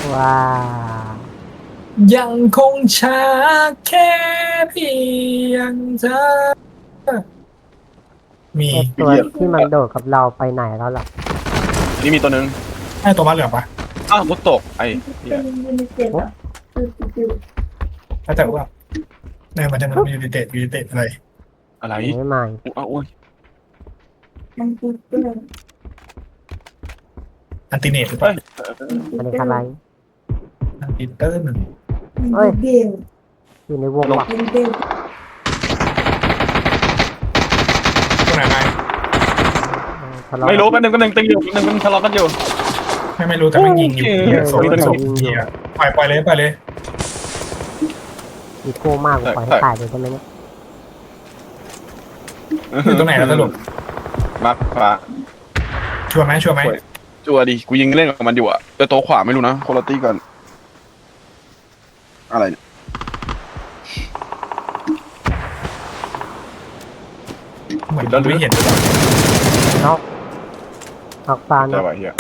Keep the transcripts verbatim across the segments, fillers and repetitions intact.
ว้ายังคงช้าแค่เพียงเธอมีไอตัวที่มันโดดกับเราไปไหนแล้วล่ะอันนี้มีตัวหนึ่งไอ้ตัวมาเหลืองปะอ้าวมุดตกไอ้เหี้ยโอ้แล้วแต่ว่าเนี่ยมันจะมันมีดีเตตมีดีเตตอะไรอะไรไม่ใหม่อ้าวโอ้ยอันติเนตหรือเปเฮ้ล่ายอันนี้อะไรอันติเตอร์หนึ่งเอ้ยอยู่ในวงว่ะตัวไหนไงทะเลาะไม่รู้กันหนึ่งกันหนึ่งตึงอยู่กันหนึ่งมันทะเลาะกันอยู่ไม่ไม่รู้แต่มันยิงอยู่เหี้ยโซ่โซ่เหี้ยปล่อยปล่อยเลยปล่อยเลยมีโก้มากกว่าปล่อยให้ตายเลยได้ไหมเนี่ยอยู่ตรงไหนแล้วสรุปมาฟ้าชัวร์ไหมชัวร์ไหมจัวดิกูยิงเล่นกับมันอยู่อะแต่โต๊ะขวาไม่รู้นะโคลตี้ก่อนอะไรเนี่ยเหมือนเราไม่เห็นเลยนอกนอกฟ้าใช่นะป่ะเฮีย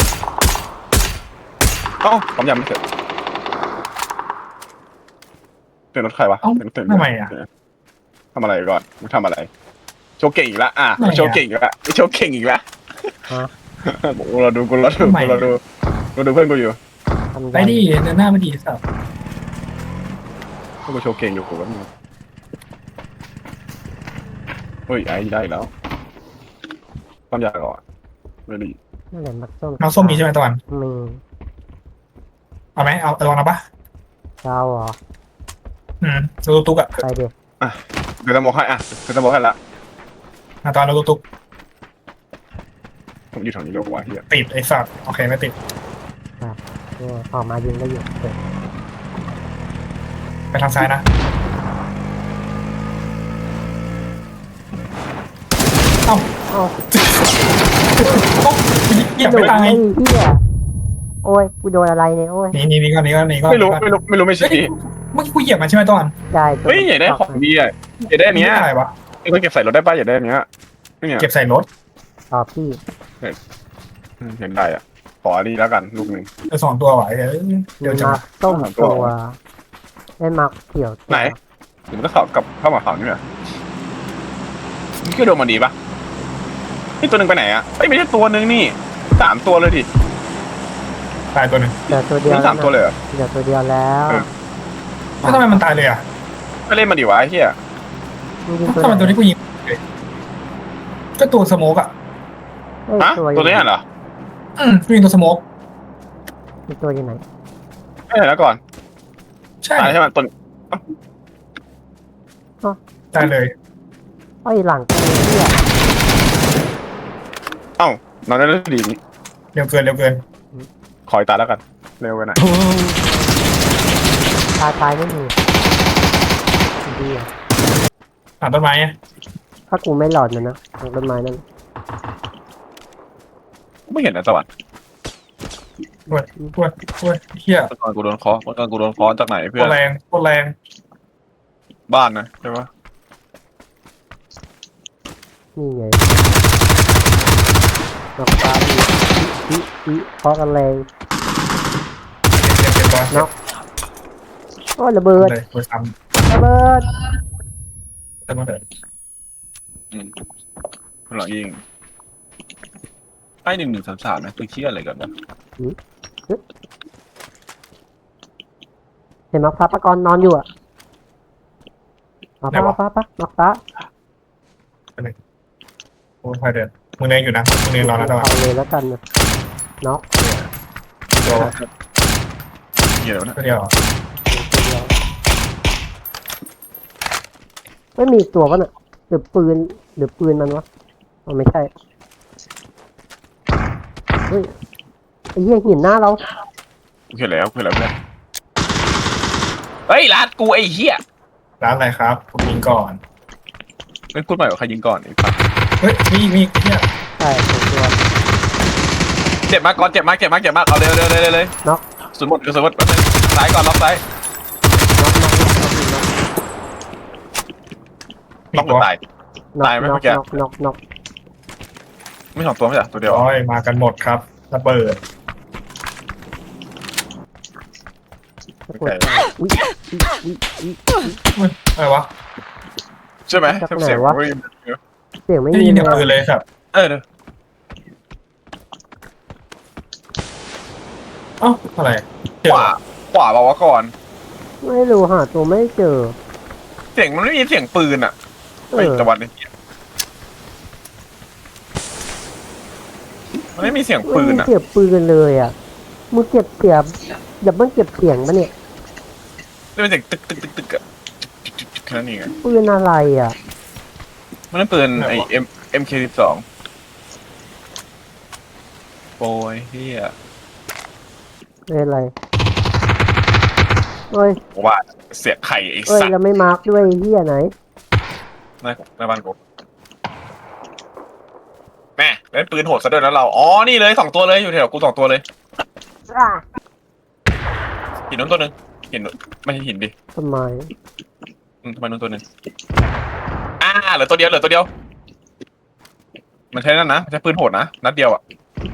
เอ้าผมยำไม่เสร็จเป็นรถใครวะเอ้าเป็นรถเต็มทำไมอ่ะทำอะไรก่อนมึงทำอะไรโชว์เก่งอีกแล้วอ่ะไม่อะโชว์เก่งอีกแล้วโชว์เก่งอีกแล้วฮะกูเราดูกูเราดูทำไมกูเราดูกูดูเพื่อนกูอยู่ทำไปดิเดินหน้ามาดีสับเพื่อนกูโชว์เก่งอยู่กูว่ามึงเฮ้ยไอ้ได้อีกแล้วความยากก่อนไม่ดีนั่นแหละมักส้มน้องส้มมีใช่ไหมตะวันมีเอาไหมเอาตะวันเอาปะเจ้าเหรออืมตุ๊กตุ๊กอ่ะไปเด็กเดี๋ยวจะบอกให้อ่ะเดี๋ยวจะบอกให้ละตอนเราตุ๊กตุ๊กผมอยู่แถวนี้เดี๋ยวกูว่าเฮียติดไอ้สัตว์โอเคไม่ติดเนี่ยออกมายิงได้อยู่เด็กไปทางซ้ายนะเอ้าเอ้าโอ๊ะเหยียบโดไม่นตายไอ้เหี้ยโอ้ยกูโดนอะไรเนี่ยโอ้ยนี่นี่นี่ก็นี่ก็นี่ก็ไม่รู้ไม่รู้ไม่รู้ไม่ใช่เมื่อกี้กูเหยียบมันใช่ไหมตอนได้เฮ้ยอยากได้ของดีอ่ะอยากได้อันเนี้ยอะไรวะไอ้คนเก็บใส่รถได้ป่ะอยากได้อันเนี้ยนี่เนี่ยเก็บใส่รถต่อพี่เห็นได้อ่ะขออันนี้แล้วกันลูกหนึ่งเออสองตัวไหวเดี๋ยวเดี๋ยวจะมาต้มตัวได้มักเขียวไหนเดี๋ยวมันก็เข้ากับเข้ามาเขานี่แหละนี่คือโดนมันดีป่ะนี่ตัวหนึ่งไปไหนอ่ะเอ้ยไม่ใช่ตัวหนึ่งนี่สามตัวเลยดิตายตัวหนึ่งเดี๋ยวตัวเดียวนี่สามตัวเลยเหรอเดี๋ยวตัวเดียวแล้วแล้วทำไมมันตายเลยอ่ะไม่เล่นมาดิวะไอ้เหี้ยมึงยิงตัวทำไมตัวไหนนี้กูยิงเลยก็ตัวสโมกอ่ะเอ้ยฮะตัวตัวนี้เหรออืมกูยิงตัวสโมกมีตัวอยู่ไหนไม่เห็นแล้วก่อนใช่ตายใช่ไหมตัวตายเลยไอ้ยหลังกูเนี่ยเอ้านอนได้แล้วดีนี่เร็วเกินเร็วเกินขออีกตาแล้วกันเร็วไปหน่อยตายตายไม่มีดีอ่ะหาต้นไม้อะถ้ากูไม่หลอดมันนะทางต้นไม้นั่นไม่เห็นนะสวัสดิ์ปวดปวดปวดเฮียตอนกูโดนคอตอนกูโดนคอจากไหนเพื่ปอวน ดแรงปวดแรงบ้านนะใช่ปะนี่ไงนอกฟ้าดีอีอีเพราะกันแรงเจ็บเจ็บเจ็บปวดโอ้ยระเบิดเลยปวดซ้ระเบิดำแต่มาเถอะอืมหลังยิงไอ้หนึ่งหนึ่งสามสามนะตัวเชี่ยอะไรกันวะเห็นมักฟ้าปะกรนอนอยู่อ่ะมาฟ้าฟ้าฟ้ามักฟ้าโอ้ยพายเดินมึงเดินอยู่นะมึงเดินรอนะตะวันเอาเลยแล้วกันนะน็อกตัวเหี้ยแล้วนะตัวเดียวไม่มีตัววะน่ะหรือปืนหรือปืนมันวะอ๋อไม่ใช่เฮ้ยไอ้เหี้ยหินหน้าเรากูเห็นแล้วกูเห็นแล้วเพื่อนเฮ้ยลาดกูไอ้เหี้ยร้านอะไรครับผมยิงก่อนไม่พูดใหม่ว่าใครยิงก่อนไอ้สัสเฮ้ยมีมีเฮียใช่ตัวเจ็บมากก่อนเจ็บมากเจ็บมากเจ็บมากเอาเร็วเร็วเร็วเร็วเลยน็อกสุดหมดสุดหมดซ้ายก่อนล็อกซ้ายน็อกน็อกน็อกน็อกมีล็อกหมตัดวตายน็อกตายไหมน็เมื่อกอกี้น็อกน็อกน็อกไม่สองตัวไม่ใช่ตัวเดียวโอ้ยมากันหมดครับระเบิดตะโกนตายอุ้ยอุ้ยอุ้ยอุ้ยอะไรวะใช่ไหมจากไหนเสียงวะวิ่งเสียงไม่ไม่ได้มียินเลเสียงปืนยเลยครับเออเนอะเอ้าอะไรเจขอวาขวาบอกว่าก่อนไม่รู้หาตัวไม่เจอเสียงมันไม่มีเสียงปืนอ่ะเอไม่อตะวันไอ้เหี้ยมันไม่มีเสียงไม่ปืนมีอ่ะเสียบปืนเลยอ่ะมึงเก็บเสียบอย่าเพิ่งเก็บเสียงปะเนี่ยนี่เป็นเสียงตึกตึกตึกตึกอะจุกจุกจุกแค่นั้นเองอะปืนอะไรอ่ะมันนั่นปืนไอเอ็มเอ็มเคสิบสองโอ้ยเฮียเป็นอะไรเอ้ยว่าเสียงไข่ไอ้เอ้ยสัตว์แล้วไม่มาร์กด้วยเฮียไหนในในบ้านกูแม่เล่นปืนโหดซะด้วยนะเราอ๋อนี่เลยสองตัวเลยอยู่แถวกูสองตัวเลยหินนู้นตัวหนึ่งหินนู้นไม่ใช่หินดิทำไมอืมทำไมนู้นตัวหนึ่งอ่าเหลือตัวเดียวเหลือตัวเดียว มันใช้นั่นนะมันใช้ปืนโหดนะนัดเดียวอ่ะ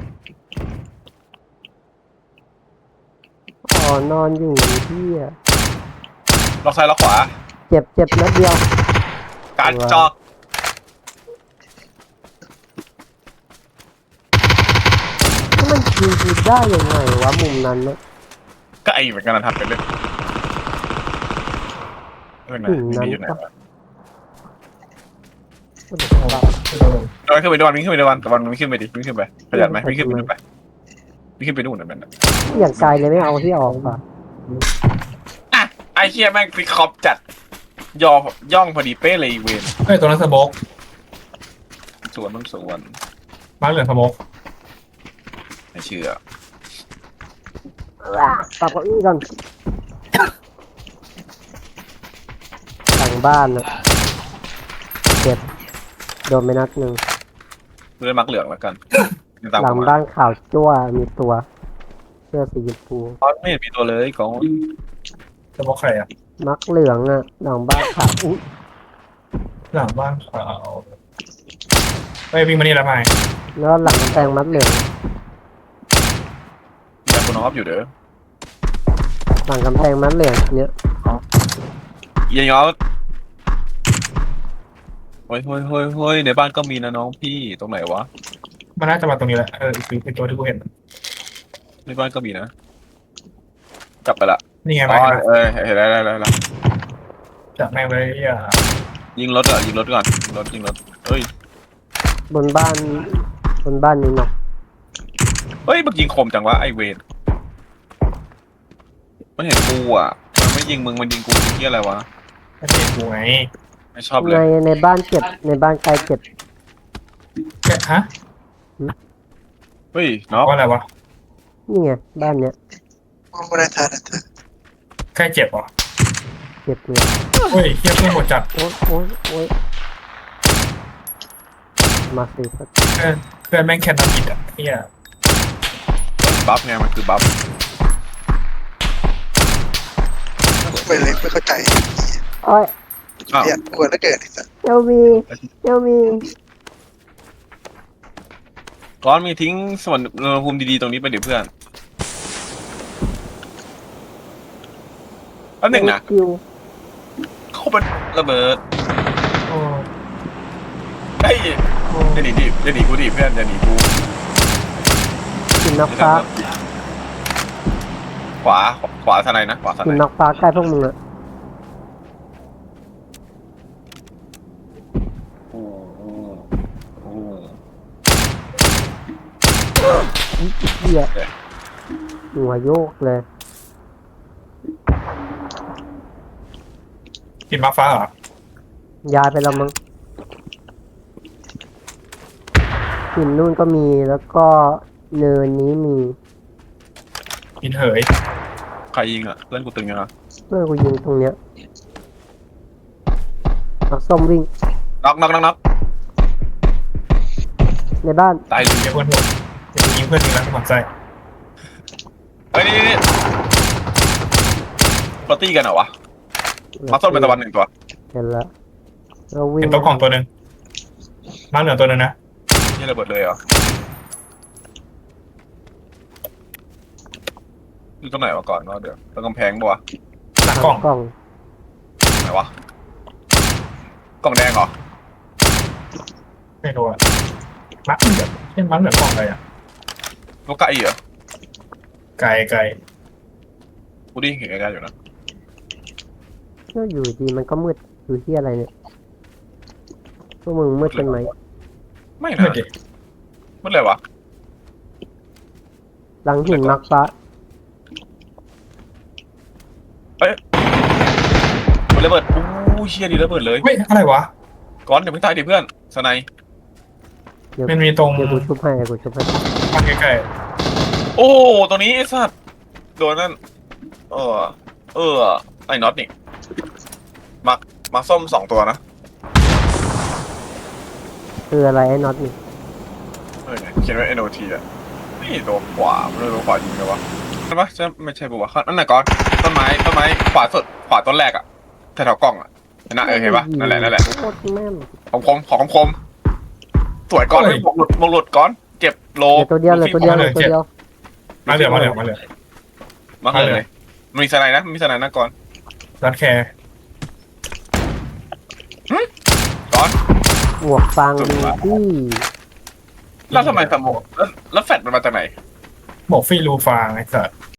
อ๋อนอนอยู่เฮียล็อกซ้ายล็อกขวาเจ็บเจ็บนัดเดียวการจอกถ้ามันยิงกูได้ยังไงวะมุมนั้นนะก็ไอเหมือนกันนะทำเป็นเรื่องเรื่องไหนมีอยู่ไหนวะก็เดี๋ยวเราตะวันขึ้นไปด้วยวิ่งขึ้นไปด้วยวันตะวันวิ่งขึ้นไปดิวิ่งขึ้นไปขยันไหมวิ่งขึ้นไปดูไปวิ่งขึ้นไปนู่นนะแม่นอย่างไกลเลยไม่เอาที่ออกป่ะอ่ะไอเคียแม่งฟิกคอปจัดยอย่องพอดีเป๊ะเลยอีเวนเฮ้ยตัวนั้นสโมกสวนมันสวนมาร์คเหลืองสโมกไม่เชื่อปรับเก้าอี้ก่อนหลังบ้านนะเจ็บโดนไปนัดหนึ่งเล่นมักเหลืองแล้วกันตามหลักูงมาบ้านข่าวจั่วมีตัวเสื้อสีชมพูตอนไม่เห็นมีตัวเลยกองสโมกใครอ่ะมักเหลืองอ่ะหลังบ้านข่าวอุ้ยหลังบ้านขาวเฮ้ยวิ่งมานี่แล้วไงแล้วหลังกำแพงมัดเหลืองแต่คุณน้องอยู่เด้อหลังกำแพงมัดเหลืองเนี้ยเยี่ยงอเฮ้ยเฮ้ยเฮ้ยเฮ้ยในบ้านก็มีนะน้องพี่ตรงไหนวะมันน่าจะมาตรงนี้แหละเอออีกอีกตัวที่กูเห็นในบ้านก็มีนะกลับไปละนี่ไงอ๋มาอเออเห็นแล้วแล้วแล้วจับแม่งเลยอ่ะยิงรถอ่ะยิงรถก่อนยิงรถยิงรถเฮ้ยบนบ้านบนบ้านนี้เนาะเฮ้ยมึงยิงคมจังวะไอเวนมันเห็นกูอ่ะมันไม่ยิงมึงมันยิงกูที่อะไรวะไม่ใช่กูไงไม่ชอบเลในยในบ้านเจ็บในบ้านใกล้เจ็บแกฮะเฮ้ยน็อกว่าอะไรวะนี่ไงบ้านเนี้ยใกล้เจ็บเหรอเจ็บเลยเฮ้ยเฮียเพื่อนหมดจัดโอ๊ยโอ๊ยโอ๊ยมาสิครับเพื่อนเพื่อนแม่งแค่น้ำกิดอ่ะเฮียบัฟไงมันคือบัฟไม่เลยไม่เข้าใจโอ้ยอ้าวเนี่ยกลัวแล้วเกิดอีกสักเอลมีเอลมีก้อนมีทิ้งส่วนอุณหภูมิดีๆตรงนี้ไปเดี๋ยวเพื่อนแป๊บหนึงนะคิวเข้าไประเบิดโอ้เฮ้ยโอ้อย่าหนีดิอย่าหนีกูดิเพื่อนอย่าหนีกูกินนอกฟ้าขวาขวาทนายนะขวาทกินนายนอกฟ้าใกล้พวกมึงอะโอ้โหโอ้โหเหี้ยหัวโยกเลยกินมาฟ้าเหรอย้ายไปแล้วมั้งหินนู่นก็มีแล้วก็เนินนี้มีกินเหยใครยิงอ่ะเพื่อนกูตึงยังอ่ะเพื่อนกูยิงตรงเนี้ยนักส้มวิ่งน็อกน็อกน็อกน็อกในบ้านตายเลยเฮียเพื่อนหมดเดี๋ยวยิงเพื่อนยิงแล้วหมันใจเฮ้ยนี่นี่นี่ปาร์ตี้กันเหรอวะมาส้มเป็นตะวันหนึ่งตัวเห็นแล้วเราวิ่งเห็นโต๊ะกล่องตัวหนึ่งมาร์คเหลืองตัวหนึ่งนะนี่ระเบิดเลยเหรออยู่ตรงไหนวะก่อนว่าเดี๋ยวตรงกำแพงปะวะหลังกล่องกล้องไหนวะกล่องแดงเหรอไม่รู้อะมักเหลืองเช่นมักเหลืองกล่องอะไรอะลูกไก่เหรอไก่ไก่กูได้เห็นไกลๆอยู่นะก็อยู่ดีมันก็มืดอยู่ที่อะไรเนี่ยพวกมึงมืดกันไหมไม่ไม่นะดิมันอะไรวะหลังหินมักฟ้ามันระเบิดอู้เชี่ยดีระเบิดเลยไม่อะไรวะก้อนอย่าเพิ่งตายดิเพื่อนสไนเดี๋ยวมันมีตรงเดี๋ยวกูชุบให้เดี๋ยวกูชุบให้มันใกล้โอ้ตรงนี้ไอ้สัตว์โดนนั่นเออเออไอ้น็อตนี่มามาส้มสองตัวนะคืออะไรไอ้น็อตนี่เออเนี่ยเขียนไว้ เอ็น โอ ที อ่ะนี่ตัวขวาไม่รู้ตัวขวายิงเลยวะใช่ปะใช่ไม่ใช่ปะวะนั่นน่ะก้อนต้นไม้ต้นไม้ขวาสุดขวาต้นแรกอ่ะแถวๆกล้องอ่ะเห็นนะเออเห็นปะนั่นแหละนั่นแหละโคตรแม่นของคมของคมสวยก้อนเลยหมวกหลุดหมวกหลุดก้อนเก็บโลเหลือตัวเดียวเหลยตัวเดียวเหลยตัวเดียวๆมาเหลืองมาเหลืองมาเหลืองมาเลยมันมีสไนด์นะมันมีสไนด์นะก้อนรัดแคร์ก้อนหมวกฟางดีที่แล้วทำไมสมองแล้วแล้วแฟดมันมาจากไหนบอกฟรีรูฟางไอ้สัส